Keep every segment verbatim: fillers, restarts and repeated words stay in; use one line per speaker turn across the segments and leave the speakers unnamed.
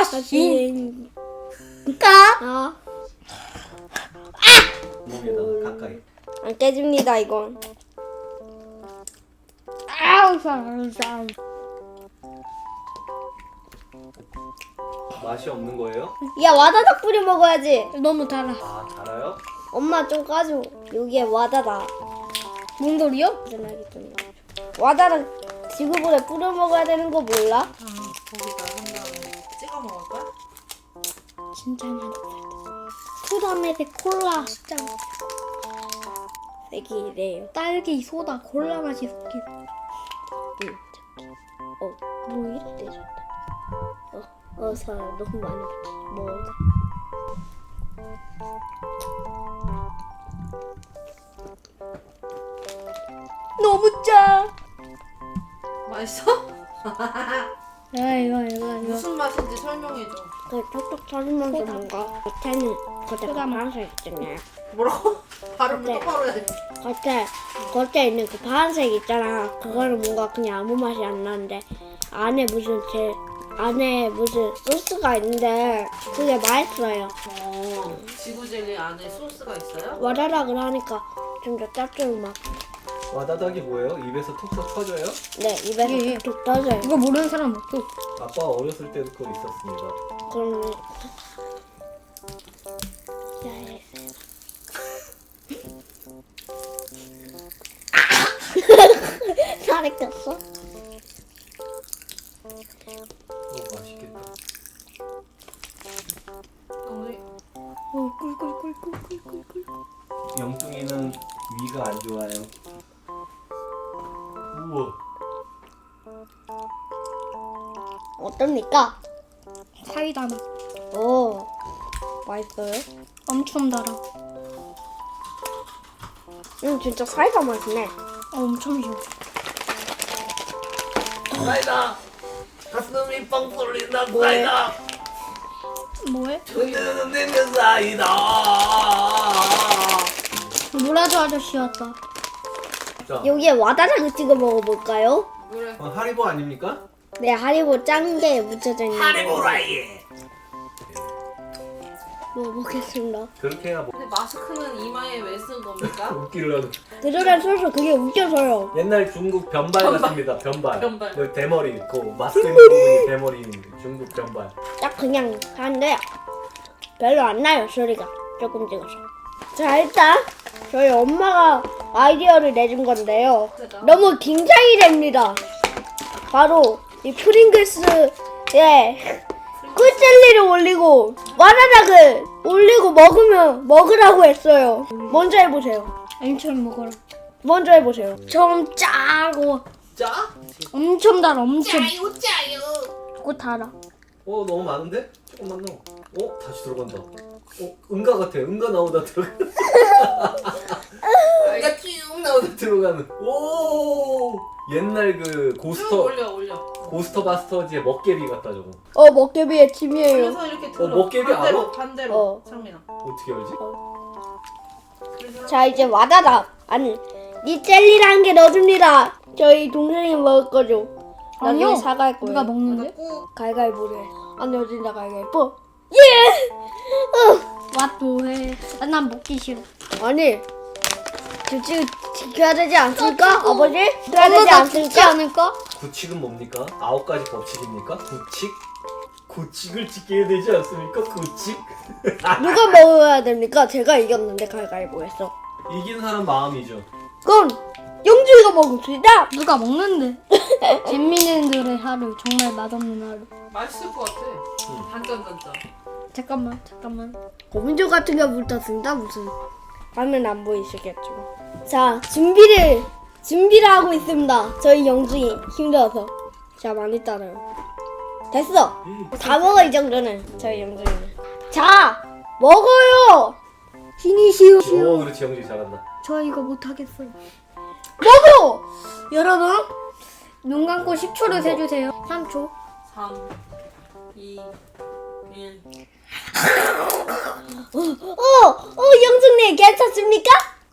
씨. 까? 어.
몸에다 가까이.
안 깨집니다 이건.
아우 사
맛이 없는 거예요?
야 와다닥 뿌려 먹어야지.
너무 달아.
아 달아요?
엄마 좀 까줘. 여기에 와다닥.
뭔 소리요?
전화기 좀 놔줘. 와다닥 지구본에 뿌려 먹어야 되는 거 몰라?
아, 거기다 한 다음에 찍어 먹을 거야?
진짜 맛있다. 소다메리 콜라 진짜 맛있어.
색이 이래요.
딸기 소다 콜라 맛이 섞인.
응. 어, 뭐 이랬대 좋다. 어, 어, 살 너무 많이 먹어.
너무 짜.
맛있어?
야 이거 이거 이거.
무슨 맛인지 설명해줘.
그 톡톡 터지면서 뭔가 겉에는 겉에
소다 맛.
파란색 있잖아요.
뭐라고? 발음을
네.
똑바로 해야지.
겉에 겉에 있는 그 파란색 있잖아. 그거는 뭔가 그냥 아무 맛이 안 나는데 안에 무슨 제 안에 무슨 소스가 있는데 그게 맛있어요.
어, 지구 젤리 안에 소스가 있어요?
와다닥을 하니까 좀 더 짭조름하고.
와다닥이 뭐예요? 입에서 톡톡 터져요?
네, 입에서
예, 예.
툭툭 터져요.
이거 모르는 사람 없어.
아빠 어렸을 때도 그거 있었습니다.
그럼 살이 꼈어?
너무 맛있겠다.
너무
어 꿀꿀꿀꿀꿀꿀꿀.
영뚱이는 위가 안 좋아요. 우와.
어떻습니까?
사이다 맛.
오, 맛있어요?
엄청 달아.
음, 진짜 사이다 맛이네.
어, 엄청 좋아.
사이다. 가슴이 뻥 뚫린다.
뭐해?
사이다.
뭐해?
흔드는 내면 사이다.
노라조 아저씨 왔다.
자,
여기에 와다닥을 찍어 먹어볼까요?
그래.
어, 하리보 아닙니까?
네, 하리보 짠 게 묻혀져 있는
하리보라이.
먹어보겠습니다.
그렇게 해야 뭐
근데 마스크는 이마에 왜 쓴 겁니까?
웃기려고.
그러다 서서 그게 웃겨서요.
옛날 중국 변발,
변발.
같습니다. 변발.
변발.
그 대머리, 그 마스크 있는 부분이 대머리인 중국 변발.
딱 그냥 하는데 별로 안 나요, 소리가. 조금 찍어서. 자, 일단 저희 엄마가 아이디어를 내준 건데요. 너무 긴장이 됩니다. 바로 이 프링글스에 꿀젤리를 올리고 와다닥을 올리고 먹으면 먹으라고 했어요. 먼저 해보세요.
엄청 먹어라.
먼저 해보세요. 좀 짜고
짜?
엄청 달아. 엄청.
짜요 짜요.
그거 달아.
어 너무 많은데? 조금만 넣어. 어 다시 들어간다. 어 응가 같아. 응가 나오다 들어가.
이가 쭉 나오는.
들어가는. 오 옛날 그
쭉
고스터
올려 올려.
고스터 바스터즈의 먹개비 같다 저거.
어 먹개비의 팀이에요.
그래서 이렇게 들어.
어, 먹개비
반대로
알아?
반대로.
어.
창민아.
어떻게 알지?
그래서
자 이제 와다닥 아니 이 젤리라는 게 넣어줍니다. 저희 동생이 먹을 거죠. 나중에
아니요.
사갈 거예요.
누가 먹는데?
꾹.
갈갈보래. 안 넣어진다 갈갈보. 예.
왓도 해. 아, 난 먹기 싫어.
아니 규칙 지켜야 되지 않습니까? 아버지? 지켜야 되지
엄마가 죽지
않습니까?
않을까?
구칙은 뭡니까? 아홉 가지 법칙입니까? 구칙? 구칙을 지켜야 되지 않습니까? 구칙?
누가 먹어야 됩니까? 제가 이겼는데 갈갈보했어.
이긴 사람 마음이죠.
그럼 영주이가 먹읍시다.
누가 먹는데? 잼민이들의 하루. 정말 맛없는 하루.
맛있을 것 같아.
응.
단짠단짠.
잠깐만 잠깐만.
고민조 같은 게 붙었습니다. 무슨 화면 안 보이시겠죠? 자 준비를 준비를 하고 있습니다. 저희 영주이 힘들어서. 자 많이 따라요. 됐어. 다 먹어 이 정도는 저희 영주이는. 자 먹어요. 피니시오.
오 그렇지 영지 잘한다.
저 이거 못하겠어요.
먹어.
여러분 눈 감고 십 초를 세주세요. 삼 초.
삼, 이, 일.
어, 어, 영숙님 괜찮습니까?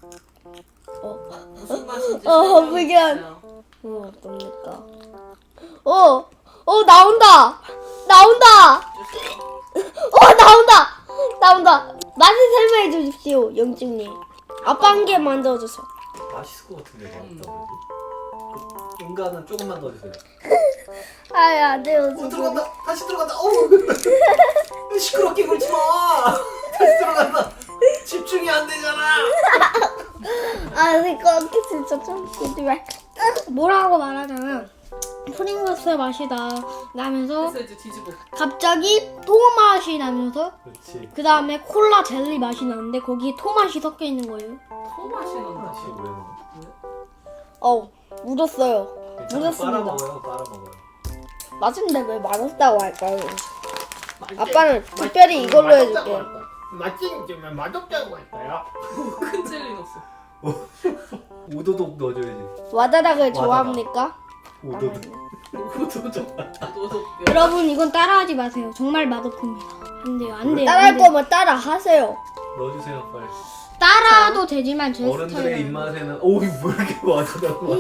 무슨 맛인지
어,
설명해
불견.
주세요.
어, 어떡합니까? 어, 어, 나온다! 나온다! 어 나온다 나온다. 맛을 설명해 주십시오 영증님. 아빠 한 개 만들어줘서.
맛있을 것 같은데 맛있다. 그 인간은 조금만 더 주세요.
아야 안돼요
어,
지금.
들어간다. 다시 들어간다. 어우. 시끄럽게 굴지 마. 다시 들어간다. 집중이 안 되잖아.
아 이거 진짜 좀 이제
뭐라고 말하자면 프링글스 맛이 나 나면서
그래서 이제 뒤집어.
갑자기 토맛이 나면서
그렇지.
그 다음에 콜라 젤리 맛이 나는데 거기에 토맛이 섞여 있는 거예요.
토맛이 난다.
다시 왜 먹어?
어 묻었어요.
괜찮아,
묻었습니다.
빨아 먹어요. 빨아 먹어요.
맛있는데 왜 맛없다고 할까요? 아빠는 특별히 이걸로 해줄게.
맛있지만 맛없다고 할까요?
큰 젤리 넣었어.
오도독 넣어줘야지.
와다닥을 좋아합니까?
오도독. 오도독.
너도
여러분 이건 따라하지 마세요. 정말 맛없습니다. 안 돼요, 안 돼요.
따라할
안 돼요.
거면 따라 하세요.
넣어주세요 빨리.
따라도 되지만 제
어른들의
스타일은
입맛에는 오이 뭐 이렇게 와다닥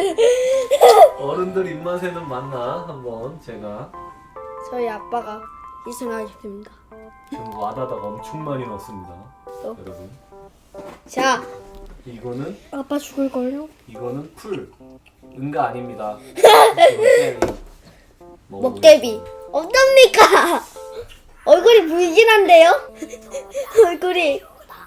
어른들 입맛에는 맞나 한번 제가
저희 아빠가 희생하셨습니다.
지금 와다닥 엄청 많이 넣었습니다.
어?
여러분
자,
이거는
아빠 죽을걸요?
이거는 풀 응가 아닙니다. 이건 젤리.
먹개비. 어떻습니까? 얼굴이 불긴 한데요? 얼굴이.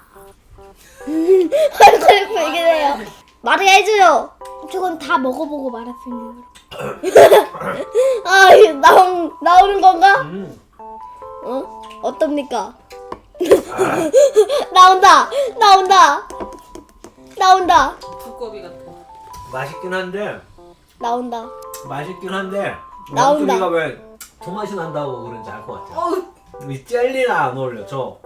얼굴이 불긴 해요. 말을 해줘요.
저건 다 먹어보고 말았습니다.
아, 이거 나온, 나오는 건가?
음.
어? 어떻습니까? 나온다! 나온다! 나온다!
두꺼비 같아.
맛있긴 한데
나온다.
맛있긴 한데
나온다.
영준이가 왜 토맛이 난다고 그런지 알 것 같아요.
어우,
이 젤리랑 안 어울려. 저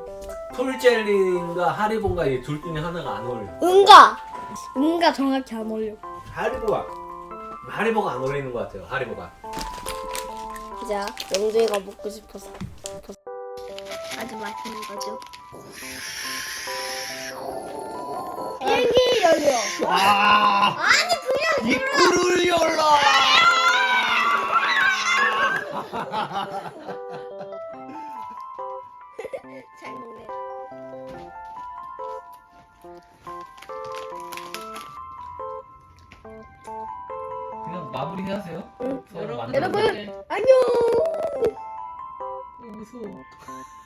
풀젤리인가 하리보인가 이 둘 중에 하나가 안 어울려.
응가!
뭔가 정확히 안 어울려.
하리보가 하리보가 안 어울리는 것 같아요. 하리보가.
자, 영주이가 먹고 싶어서. 아주 맛있는 거죠. 비행기 열려.
아!
아니, 그냥
입구를 열라!
잘 먹네.
그냥 마무리 하세요.
응.
여러분,
여러분,
네.
안녕!
무서워.